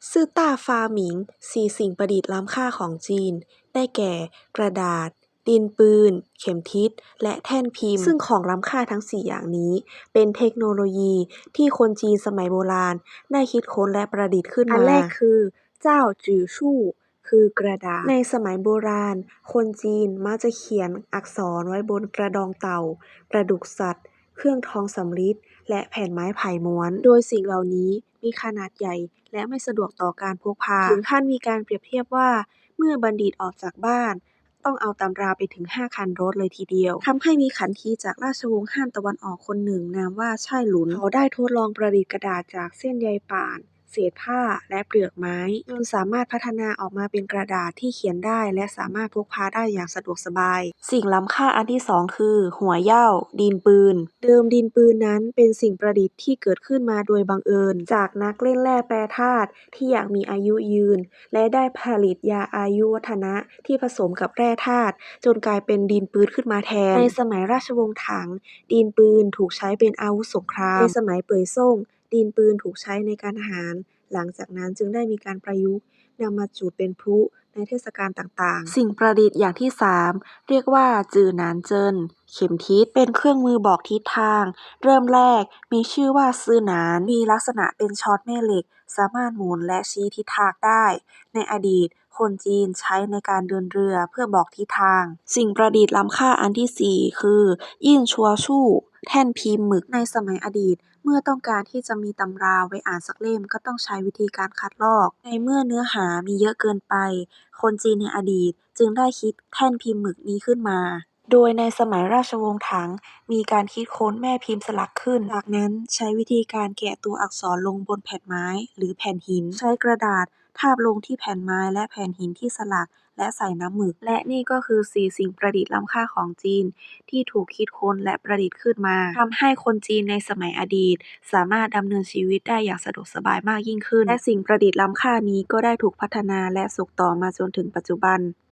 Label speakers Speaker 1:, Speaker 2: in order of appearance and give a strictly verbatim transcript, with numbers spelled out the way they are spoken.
Speaker 1: ซื่อต้าฟาหมิง สี่สิ่งประดิษฐ์ล้ำค่าของจีน ได้แก่ กระดาษ ดินปืน เข็มทิศ และแท่นพิมพ์ ซึ่งของล้ำค่าทั้ง สี่ อย่างนี้ เป็นเทคโนโลยีที่คนจีนสมัยโบราณได้คิดค้นและประดิษฐ์ขึ้นมา อันแรกคือ เจ้าจื่อชู่ คือกระดาษ ในสมัยโบราณ คนจีนมักจะเขียนอักษรไว้บนกระดองเต่า กระดูกสัตว์ เครื่องทองสำริด และแผ่นไม้ไผ่ม้วน โดยสิ่งเหล่านี้มีขนาดใหญ่และไม่สะดวกต่อการพกพา ถึงขั้นมีการเปรียบเทียบว่า เมื่อบัณฑิตออกจากบ้าน ต้องเอาตำราไปถึง ห้า คันรถเลยทีเดียว ทำให้มีขันทีจากราชวงศ์ฮั่นตะวันออกคนหนึ่งนามว่า ช่ายหลุน เขาได้ทดลองประดิษฐ์กระดาษจากเส้นใยป่าน เศษผ้า และเปลือกไม้ จนสามารถพัฒนาออกมาเป็นกระดาษที่เขียนได้และสามารถพกพาได้อย่างสะดวกสบาย สิ่งล้ำค่าอันที่ สอง คือ หัวเหย้า ดินปืน เดิมดินปืนนั้นเป็นสิ่งประดิษฐ์ที่เกิดขึ้นมาโดยบังเอิญ จากนักเล่นแร่แปรธาตุที่อยากมีอายุยืน และได้ผลิตยาอายุวัฒนะที่ผสมกับแร่ธาตุจนกลายเป็นดินปืนขึ้นมาแทน ในสมัยราชวงศ์ถัง ดินปืนถูกใช้เป็นอาวุธสงคราม ในสมัยเป่ยซ่ง ดินปืนถูกใช้ในการทหาร หลังจากนั้นจึงได้มีการประยุกต์นำมาจุดเป็นพลุในเทศกาลต่างๆ สิ่งประดิษฐ์อย่างที่ สาม เรียกว่า จื่อหนานเจิน เข็มทิศ เป็นเครื่องมือบอกทิศทาง เริ่มแรกมีชื่อว่า ซือหนาน มีลักษณะเป็นช็อตแม่เหล็ก สามารถหมุนและชี้ทิศทางได้ ในอดีต คนจีนใช้ในการเดินเรือเพื่อบอกทิศทาง สิ่งประดิษฐ์ล้ำค่าอันที่ สี่ คือ อี้ชัวชู่ แท่นพิมพ์หมึก ในสมัยอดีต เมื่อต้องการที่จะมีตำราไว้อ่านสักเล่ม ก็ต้องใช้วิธีการคัดลอก ในเมื่อเนื้อหามีเยอะเกินไป คนจีนในอดีตจึงได้คิดแท่นพิมพ์หมึกนี้ขึ้นมา โดยในสมัยราชวงศ์ถัง มีการคิดค้นแม่พิมพ์สลักขึ้น จากนั้นใช้วิธีการแกะตัวอักษรลงบนแผ่นไม้หรือแผ่นหิน ใช้กระดาษทาบลงที่แผ่นไม้และแผ่นหินที่สลัก และใส่น้ำหมึก และนี่ก็คือ สี่ สิ่งประดิษฐ์ล้ำค่าของจีนที่ถูกคิดค้นและประดิษฐ์ขึ้นมา ทำให้คนจีนในสมัยอดีตสามารถดำเนินชีวิตได้อย่างสะดวกสบายมากยิ่งขึ้น และสิ่งประดิษฐ์ล้ำค่านี้ก็ได้ถูกพัฒนาและส่งต่อมาจนถึงปัจจุบัน